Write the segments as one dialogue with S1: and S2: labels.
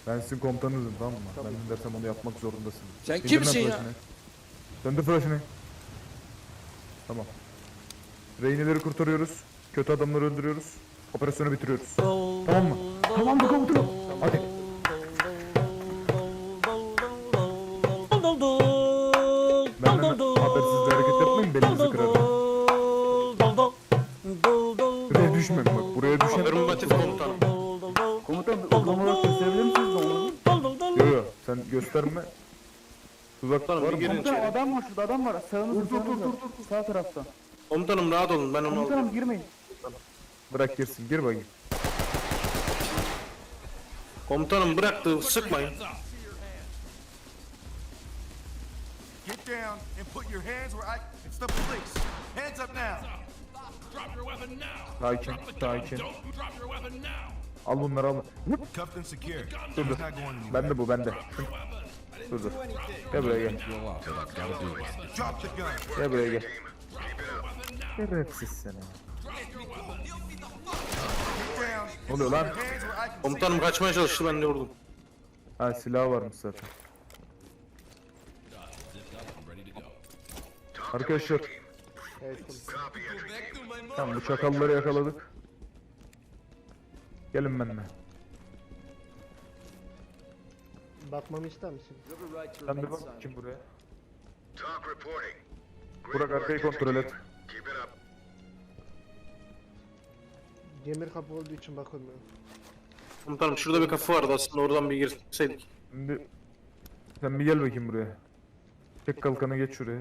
S1: Ben sizin komutanınızım, tamam mı? Ben ne dersem onu yapmak zorundasın.
S2: Sen
S1: İndir
S2: kimsin
S1: lan
S2: ya?
S1: flash'ını. Döndür flash'ını. Tamam. Rehineleri kurtarıyoruz. Kötü adamları öldürüyoruz. Operasyonu bitiriyoruz. Tamam mı? Tamam mı komutanım? Hadi. Benden habersiz bir hareket yapmayın, belinizi kırarım. Buraya düşmem bak, buraya düşen...
S3: Affirmatif komutanım.
S4: Komutanım uygulamaları gösterebilir misiniz onu?
S1: Yo yo, sen gösterme. Tuzak var
S3: Komutanım bir
S1: mı?
S3: girin
S4: Komutanım
S3: içeri.
S4: adam var şurada, adam var. Sağınızda, sağınızda. Sağ tarafta.
S3: Komutanım rahat olun, ben onu
S4: Komutanım
S3: alıyorum.
S4: girmeyin.
S1: Bırak girsin, gir bakayım.
S3: Komutanım bıraktı, sıkmayın.
S5: Get down and put your hands where it's the police. Hands up now.
S6: Drop your weapon now.
S1: Sakin,
S6: Drop the gun.
S1: sakin.
S6: Don't drop your weapon now.
S1: Al bunları al.
S5: Cuffed and secured.
S1: Dur dur.
S5: He's not going anywhere.
S1: Bende bu, bende. Dur dur. Gel buraya gel.
S5: Drop the gun.
S1: Gel buraya gel. Şerefsiz seni.
S5: Get down.
S1: Ne oluyor lan?
S5: Hands where I can see.
S3: Komutanım kaçmaya çalıştı, ben de vurdum.
S1: Ha, silah varmış zaten. Arkadaşlar. Tamam, bu çakalları yakaladık. Gelin benimle.
S7: Bakmamı ister misin?
S1: Sen bir bak kim buraya.
S8: Talk reporting.
S1: Burak arkayı kontrol et.
S8: Keep it up.
S7: Demir kapı olduğu için bakılmıyor.
S3: Komutanım şurada bir kapı vardı, aslında oradan bir girseydik.
S1: Şimdi sen bir gel bakayım buraya. Tek kalkanı geç şuraya.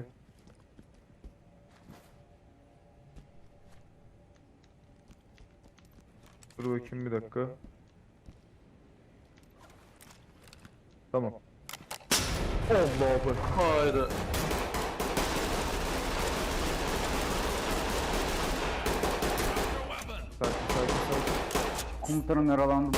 S1: Dur bakayım bir dakika. Tamam. Allah'ım.
S3: Haydi.
S1: Sakin.
S4: Komutanım yaralandım.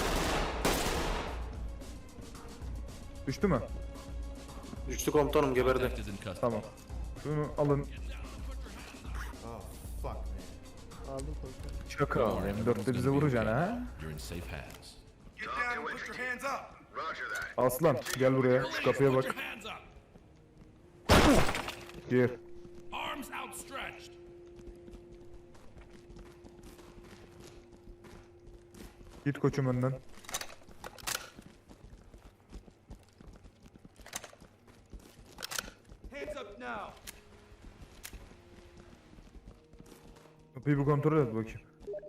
S1: Düştü mü?
S3: Düştü komutanım, geberdi.
S1: Tamam. Şunu alın.
S5: Oh, fuck, man.
S7: Aldım komutanım.
S1: Şaka. M4'te bize vuracaksın ha?
S6: You're in safe hands.
S5: Get down and put your hands up.
S8: Roger that.
S1: Aslan gel buraya. Şu kapıya
S6: Put
S1: bak.
S6: your hands up.
S1: Gir.
S6: Arms outstretched.
S1: Git koçum önden.
S5: Hands up now.
S1: Kapıyı bir kontrol et bakayım.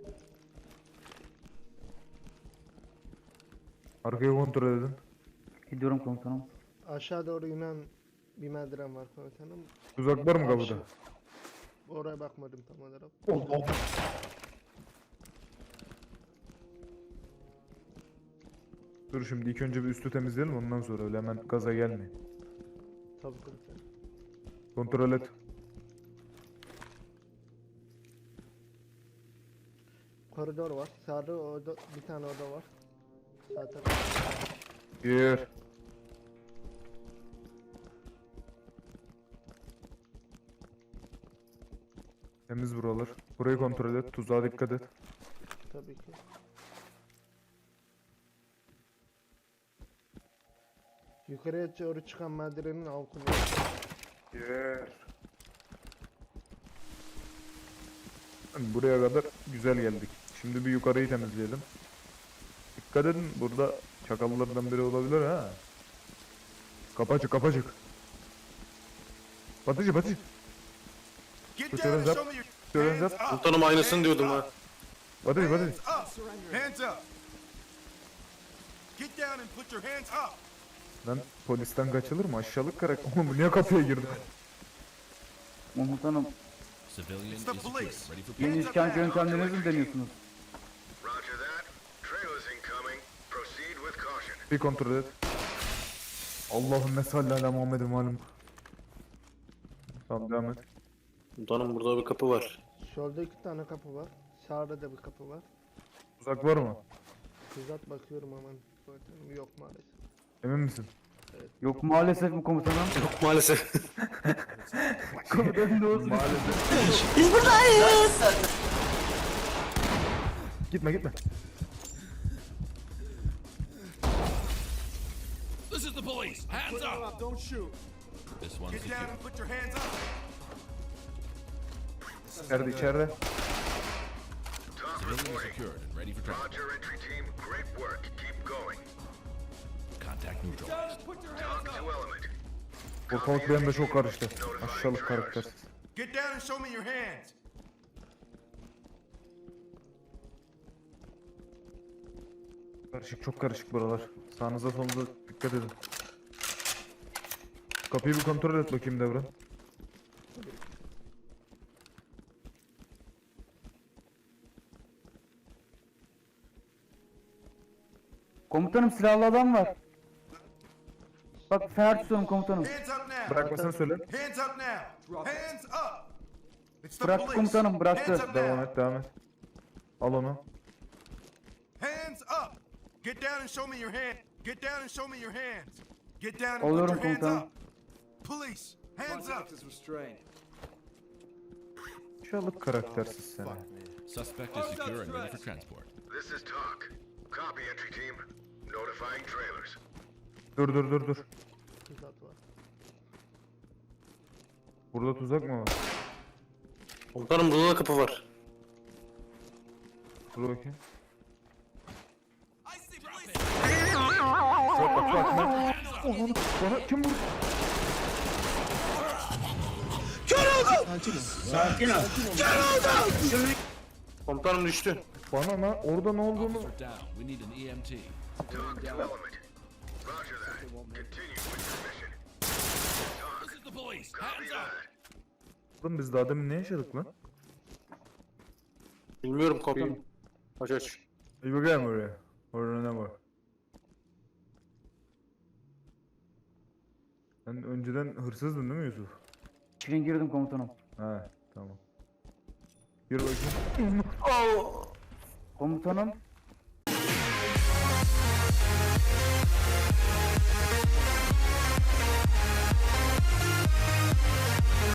S1: Arkayı kontrol edin.
S4: Gidiyorum komutanım.
S7: Aşağı doğru inen bir merdiven var komutanım.
S1: Tuzak var mı kapıda?
S7: Oraya bakmadım tam olarak.
S1: Dur şimdi ilk önce bir üstü temizleyelim, ondan sonra öyle hemen gaza gelmeyin.
S7: Tabii komutanım.
S1: Kontrol et.
S7: Koridor var. Sağda oda, bir tane oda var. Sağ tarafta.
S1: Gir. Temiz buralar. Burayı kontrol et. Tuzağa dikkat et.
S7: Tabii ki. Yukarıya doğru çıkan merdivenin altında.
S1: Gir. Buraya kadar güzel geldik. Şimdi bir yukarıyı temizleyelim. Dikkat edin, burada çakallardan biri olabilir ha. Kapacık kapacık. Batıcı batıcı.
S5: Get
S1: Put
S5: down
S1: your
S5: and
S1: hands
S5: show
S1: up.
S5: me your
S1: Put your hands
S5: hands
S1: up.
S5: up.
S3: Komutanım aynısını diyordum ha.
S1: Batıcı batıcı.
S5: Hands up. Hands up. Get down and put your hands up.
S1: Lan polisten kaçılır mı? Aşağılık karak. Oğlum bu niye kapıya girdi?
S4: Komutanım
S6: Civilian
S5: It's the
S6: is
S5: police.
S6: equipped, ready for
S4: yeni
S5: Hands up
S4: işkence
S5: now.
S4: yöntemlerinizi mi deniyorsunuz?
S8: Roger that. Trailers incoming. Proceed with caution.
S1: Bir kontrol et. Allahümme salli ala Muhammed'in malum. Tamam devam et.
S3: Komutanım burada bir kapı var.
S7: Solda 2 tane kapı var. Sağda da bir kapı var.
S1: Uzak var mı?
S7: Tuzak bakıyorum hemen. Komutanım yok maalesef.
S1: Emin misin?
S4: Yok maalesef mi komutanım?
S3: Yok maalesef.
S4: Komutanım ne olsun?
S1: Gitme gitme.
S6: is the police. Hands up.
S5: Don't shoot.
S6: This one's
S5: Get down
S6: secure.
S5: and put your hands up.
S1: İçeride içeride.
S8: Talk
S6: Civilian is
S8: reporting.
S6: secured and ready for transport.
S8: Roger, entry team. Great work. Keep going.
S6: Contact neutralized.
S8: Talk to element.
S1: Ortalık benim de çok karıştı. Aşağılık karaktersiz.
S5: Get down and show me your hands.
S1: Karışık, çok karışık buralar. Sağınıza solunuza dikkat edin. Kapıyı bir kontrol et bakayım Devran.
S4: Komutanım silahlı adam var. Bak fener tutuyorum komutanım.
S5: Hands up now.
S1: Bırakmasını söyle.
S5: Hands up now. Hands up. It's the
S4: Bıraktı
S5: police.
S4: komutanım, bıraktı.
S5: Hands up now.
S1: Devam et, devam et. Al onu.
S5: Hands up. Get down and show me your hand. Get down and show me your hands. Get down and put
S4: Oluyorum
S5: your hands
S4: komutanım.
S5: up. Police, hands up.
S1: Aşağılık karaktersiz seni.
S6: Suspect is secure and ready for transport.
S8: This is talk. Copy, entry team. Notifying trailers.
S1: Dur.
S7: Tuzak var.
S1: Burada tuzak mı var?
S3: Komutanım burada da kapı var.
S1: Dur bakayım. Bana kim vurdu?
S3: Komutanım düştü.
S1: Bana lan orada ne olduğunu...
S6: Officer down. We need an EMT.
S8: Talk to element. Roger that. Continue with your mission.
S6: This is the police.
S8: Copy
S6: Hands up.
S8: that.
S1: Oğlum biz daha demin ne yaşadık lan?
S3: Bilmiyorum komutanım. Aç.
S1: İyi bakayım oraya. Orada ne var? Sen önceden hırsızdın değil mi Yusuf?
S4: İçeri girdim komutanım.
S1: He tamam. Yürü bakayım.
S4: Komutanım